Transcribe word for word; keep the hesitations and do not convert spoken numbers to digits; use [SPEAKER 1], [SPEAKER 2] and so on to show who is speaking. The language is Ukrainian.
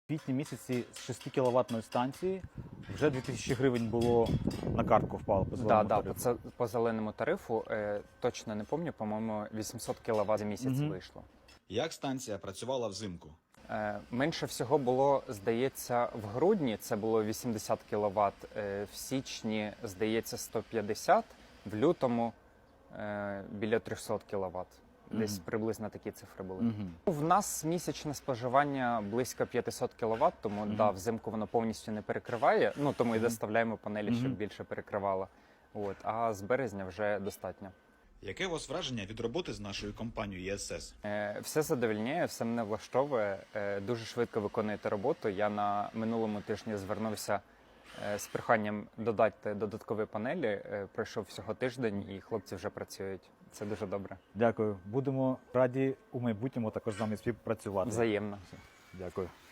[SPEAKER 1] В квітні місяці з шестикіловатної станції вже дві тисячі гривень було на картку впало по зеленому
[SPEAKER 2] Да, да,
[SPEAKER 1] тарифу.
[SPEAKER 2] по, це, по зеленому тарифу, е, точно не пам'ятаю, по-моєму, вісімсот кіловат за місяць
[SPEAKER 1] Мгм.
[SPEAKER 2] вийшло.
[SPEAKER 3] Як станція працювала взимку?
[SPEAKER 2] Е, менше всього було, здається, в грудні це було вісімдесят кіловат, е, в січні, здається, сто п'ятдесят, в лютому е, біля триста кіловат. Десь
[SPEAKER 1] Мгм.
[SPEAKER 2] приблизно такі цифри були.
[SPEAKER 1] Мгм.
[SPEAKER 2] В нас місячне споживання близько п'ятсот кіловат, тому
[SPEAKER 1] Мгм.
[SPEAKER 2] да, взимку воно повністю не перекриває. Ну тому і
[SPEAKER 1] Мгм.
[SPEAKER 2] доставляємо панелі, щоб
[SPEAKER 1] Мгм.
[SPEAKER 2] більше перекривало. От, а з березня вже достатньо.
[SPEAKER 3] Яке у вас враження від роботи з нашою компанією Е Ес Ес?
[SPEAKER 2] Е, Все задовольняє, все мене влаштовує. Е, Дуже швидко виконуєте роботу. Я на минулому тижні звернувся е, з проханням додати додаткові панелі. Е, Пройшов всього тиждень, і хлопці вже працюють. Це дуже добре.
[SPEAKER 1] Дякую. Будемо раді у майбутньому також з вами співпрацювати.
[SPEAKER 2] Взаємно.
[SPEAKER 1] Дякую.